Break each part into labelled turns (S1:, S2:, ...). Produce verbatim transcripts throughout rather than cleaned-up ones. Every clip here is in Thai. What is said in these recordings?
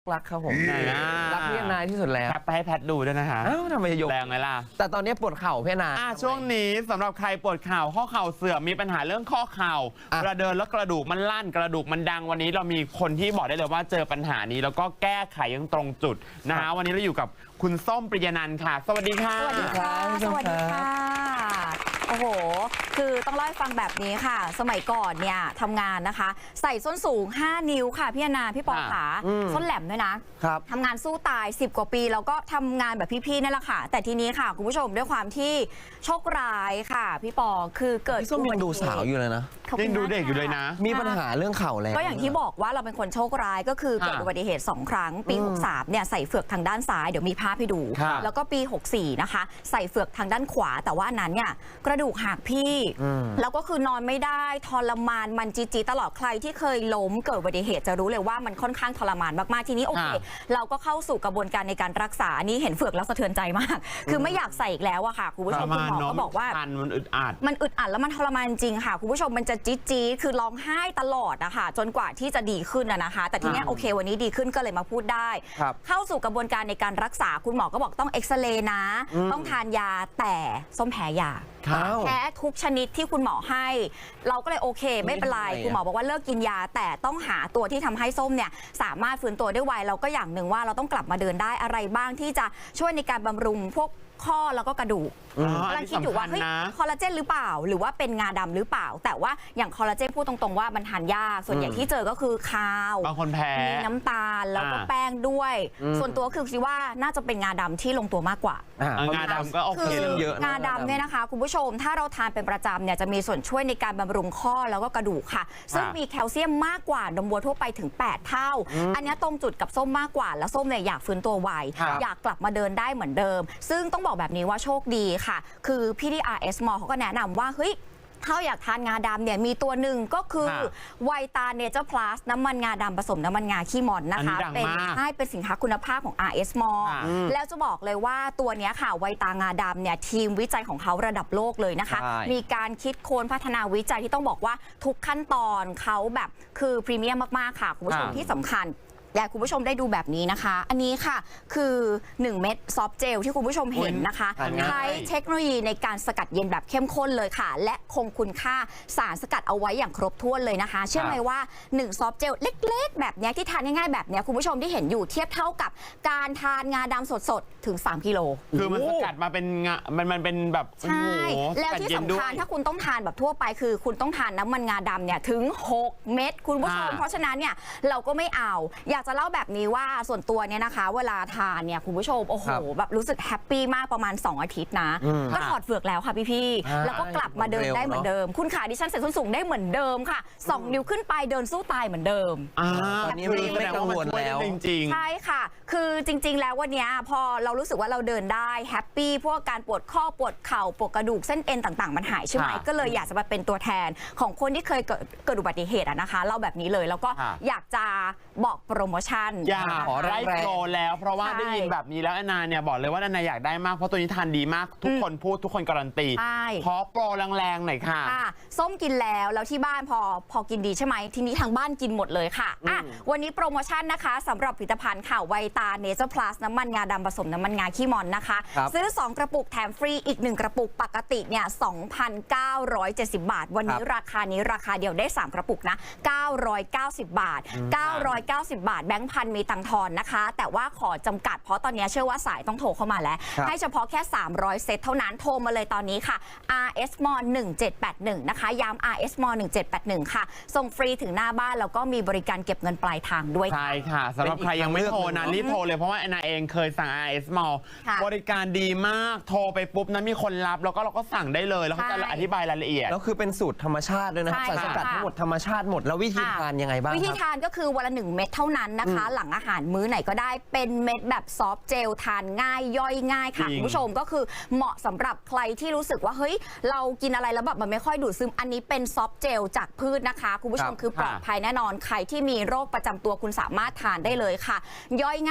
S1: รักครับผม
S2: รักพี่นาที่สุดแล้ว
S1: แคปไปให้แพทดูด้วยนะคะ
S2: อ้าวทำไมยก
S1: แรงไหมล่ะ
S2: แต่ตอนนี้ปวดเข่าพี่นา
S1: อ่ะช่วงนี้สำหรับใครปวดเข่าข้อเข่าเสื่อมมีปัญหาเรื่องข้อเข่า
S2: อ่ะ
S1: เวลาเดินแล้วกระดูกมันลั่นกระดูกมันดังวันนี้เรามีคนที่บอกได้เลยว่าเจอปัญหานี้แล้วก็แก้ไขยังตรงจุดนะฮะวันนี้เราอยู่กับคุณส้มปริยนันท์ค่ะ สวัสดีค่ะ
S3: สวัสดีค่ะ สวัสดีค่ะ โอ้โห คือต้องเล่าให้ฟังแบบนี้ค่ะ สมัยก่อนเนี่ยทำงานนะคะ ใส่ส้นสูง ห้า นิ้วค่ะ พี่อนาพี่ปอขาส้นแหลมด้วยนะครับ ทำงานสู้ตาย สิบ กว่าปี แล้วก็ทำงานแบบพี่ๆนั่นแหละค่ะ แต่ทีนี้ค่ะ คุณผู้ชมด้วยความที่โชคร้ายค่ะ พี่ปอคือเกิด
S2: พี่ส้มยังดูสาวอยู่เลยนะ
S3: ขอบคุณ
S1: ยังดูเด็กอยู่เลยนะ
S2: มีปัญหาเรื่องเข่าแล้ว
S3: ก็อย่างที่บอกว่าเราเป็นคนโชคร้ายก็คือเกิดอุบัติเหตุสองครั้งปี หกสามเนี่ยใส่เฟือกทางด้านซ้ายเดี๋ยวมีภาพให้ดู
S1: ครับ
S3: แล้วก็ปี หกสี่นะคะใส่เฟือกทางด้านขวา แต่ว่าอันนั้นเนี่ยกระดูกหักพี่ แล้วก็คือนอนไม่ได้ทรมานมันจีจีตลอดใครที่เคยล้มเกิดอุบัติเหตุจะรู้เลยว่ามันค่อนข้างทรมานมากๆทีนี้โอเคเราก็เข้าสู่กระบวนการในการรักษาอันนี้เห็นเฟือกแล้วสะเทือนใจมาก คือไม่อยากใส่อีกแล้วอะค่ะคุณผู้ชมคุณหมอก็บอกว่า
S1: มันอึดอัด
S3: มันอึดอัดแล้วมันทรมานจริงค่ะคุณผู้ชมมันจะจี๊ดจี๊ดคือร้องไห้ตลอดนะคะจนกว่าที่จะดีขึ้นนะนะคะ แต่ทีนี้โอเควันนี้ดีขึ้นก็เลยมาพูดได้ เข้าสู่กระบวนการในการรักษาคุณหมอก็บอกต้องเอ็กซเรย์นะต้องทานยาแต่ส้มแพ้ยาแพ้ทุกชนิดที่คุณหมอให้ เราก็เลยโอเคไม่เป็นไรคุณหมอบอกว่าเลิกกินยาแต่ต้องหาตัวที่ทำให้ส้มเนี่ยสามารถฟื้นตัวได้ไวเราก็อย่างหนึ่งว่าเราต้องกลับมาเดินได้อะไรบ้างที่จะช่วยในการบำรุงพวกข้อแล้วก็กระดูกกำลังคิดอยู่ว่าเฮ้ยคอลลาเจนหรือเปล่าหรือว่าเป็นงาดำหรือเปล่าแต่ว่าอย่างคอลลาเจนพูดตรงๆว่ามันทานยากส่วนใหญ่ที่เจอก็คือข้าว
S1: บางคนแพ้
S3: มีน้ำตาลแล้วก็แป้งด้วย ส่วนตัวคือคิดว่าน่าจะเป็นงาดำที่ลงตัวมากกว่า
S1: งาดำก็โอเค
S3: คือ
S2: เยอะ
S3: งาดำเนี่ยนะคะคุณผู้ชมถ้าเราทานเป็นประจำเนี่ยจะมีส่วนช่วยในการบำรุงข้อแล้วก็กระดูกค่ะซึ่งมีแคลเซียมมากกว่านมวัวทั่วไปถึงแปดเท่าอันนี้ตรงจุดกับส้มมากกว่าแล้วส้มเนี่ยอยากฟื้นตัวไวอยากกลับมาเดินได้เหมือนเดิม ซึ่งต้องบอกแบบนี้ว่าโชคดีค่ะคือพี่ที่ อาร์ เอส Mall เขาก็แนะนำว่าเฮ้ยถ้าอยากทานงาดำเนี่ยมีตัวหนึ่งก็คือไวตาเนเจอร์พลัสน้ำมันงาดำผสมน้ำมันงาขี้มอนนะคะเป็นใช่เป็นสินค้าคุณภาพของ อาร์ เอส Mall แล้วจะบอกเลยว่าตัวนี้ค่ะไวตางาดำเนี่ยทีมวิจัยของเขาระดับโลกเลยนะคะมีการคิดค้นพัฒนาวิจัยที่ต้องบอกว่าทุกขั้นตอนเขาแบบคือพรีเมียมมากๆค่ะคุณผู้ชมที่สำคัญอยากคุณผู้ชมได้ดูแบบนี้นะคะอันนี้ค่ะคือหนึ่งเม็ดซอฟต์เจลที่คุณผู้ชมเห็นนะคะใช้เทคโนโลยีในการสกัดเย็นแบบเข้มข้นเลยค่ะและคงคุณค่าสารสกัดเอาไว้อย่างครบถ้วนเลยนะคะเชื่อไหมว่าหนึ่งซอฟต์เจลเล็กๆแบบนี้ที่ทานง่ายๆแบบนี้คุณผู้ชมที่เห็นอยู่เทียบเท่ากับการทานงาดำสดๆถึงสามกิโล
S1: คือมันสกัดมาเป็นงามันมันเป็นแบบ
S3: ใช่แล้วที่สำคัญถ้าคุณต้องทานแบบทั่วไปคือคุณต้องทานน้ำมันงาดำเนี่ยถึงหกเม็ดคุณผู้ชมเพราะฉะนั้นเนี่ยเราก็ไม่เอาอยากจะเล่าแบบนี้ว่าส่วนตัวเนี่ยนะคะเวลาทานเนี่ยคุณผู้ชมโอ้โหแบบรู้สึกแฮปปี้มากประมาณสองอาทิตย์นะก็ถอดเฟือกแล้วค่ะพี่ๆแล้วก็กลับมาเดินได้เหมือนเดิมคุณขาดิฉันใส่ส้นสูงได้เหมือนเดิมค่ะสองนิ้วขึ้นไปเดินสู้ตายเหมือนเดิม
S2: ตอนนี้ไม่กังวลแล้ว
S1: จริงๆ
S3: ใช่ค่ะคือจริงๆแล้ววันนี้พอเรารู้สึกว่าเราเดินได้แฮปปี้พวกการปวดข้อปวดเข่าปวดกระดูกเส้นเอ็นต่างๆมันหายใช่ไหมก็เลยอยากจะมาเป็นตัวแทนของคนที่เคยเกิดอุบัติเหตุนะคะเล่าแบบนี้เลยแล้วก็อยากจะบอกโปรโมชั่น
S1: อยากขอได้โปรแล้วเพราะว่าได้ยินแบบนี้แล้วแอนนาเนี่ยบอกเลยว่าแอนนาอยากได้มากเพราะตัวนี้ทานดีมากทุกคนพูดทุกคนการันตีขอโปรแรงๆหน่อยค่ะ
S3: ส้มกินแล้วแล้วที่บ้านพอพอกินดีใช่ไหมทีนี้ทางบ้านกินหมดเลยค่ะอ่ะวันนี้โปรโมชั่นนะคะสำหรับผลิตภัณฑ์ค่ะไวตาเนเจอร์พลัสน้ำมันงาดำผสมน้ำมันงาขี้มอนนะคะซื้อสองกระปุกแถมฟรีอีกหนึ่งกระปุกปกติเนี่ย สองพันเก้าร้อยเจ็ดสิบ บาทวันนี้ราคานี้ราคาเดียวได้สามกระปุกนะเก้าร้อยเก้าสิบบาทเก้าร้อยเก้าสิบบาทแบงค์พันมีตังทอนนะคะแต่ว่าขอจำกัดเพราะตอนนี้เชื่อว่าสายต้องโทรเข้ามาแล้วให้เฉพาะแค่สามร้อยเซตเท่านั้นโทรมาเลยตอนนี้ค่ะ อาร์ เอส Mall หนึ่งเจ็ดแปดหนึ่งนะคะย้ำ อาร์ เอส Mall หนึ่งเจ็ดแปดหนึ่งค่ะส่งฟรีถึงหน้าบ้านแล้วก็มีบริการเก็บเงินปลายทางด้วย
S1: ใช่ค่ะสำหรับใครยังไม่โทรนะรีบโทรเลยเพราะว่าแอนนาเองเคยสั่ง อาร์ เอส Mall บริการดีมากโทรไปปุ๊บนั้นมีคนรับแล้วก็เราก็สั่งได้เลยแล้วเขาจะอธิบายรายละเอียด
S2: แล้วคือเป็นสูตรธรรมชาติด้วยนะสารสกัดทั้งหมดธรรมชาติหมดแล้ววิธีทานยังไงบ้าง
S3: วิธีทานก็คือวันละหนึ่งเม็ดเท่านั้นนะคะหลังอาหารมื้อไหนก็ได้เป็นเม็ดแบบซอฟต์เจลทานง่ายย่อยง่ายค่ะคุณผู้ชมก็คือเหมาะสำหรับใครที่รู้สึกว่าเฮ้ยเรากินอะไรแล้วแบบมันไม่ค่อยดูดซึมอันนี้เป็นซอฟต์เจลจากพืชนะคะคุณผู้ชมคือปลอดภัยแน่นอนใครที่มีโรคประจำตัวคุณสามารถทานได้เลยค่ะย่อยง่าย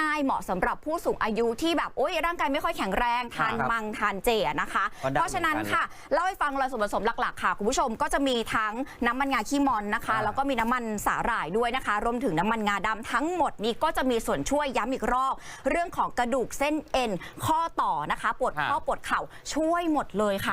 S3: ง่ายๆเหมาะสำหรับผู้สูงอายุที่แบบโอ๊ยร่างกายไม่ค่อยแข็งแรงทาน
S2: ครับ
S3: มังทานเจอะนะคะ
S2: ก็ได้
S3: เพราะฉะนั้น
S2: เหมือนกัน
S3: ค่ะเล่าให้ฟังเลยส่วนผสมหลักๆค่ะคุณผู้ชมก็จะมีทั้งน้ำมันงาขี้มอนนะคะ
S2: อ่า
S3: แล้วก็มีน้ำมันสาหร่ายด้วยนะคะรวมถึงน้ำมันงาดำทั้งหมดนี้ก็จะมีส่วนช่วยย้ำอีกรอบเรื่องของกระดูกเส้นเอ็นข้อต่อนะคะปวดข้อปวดเข่าช่วยหมดเลยค่ะ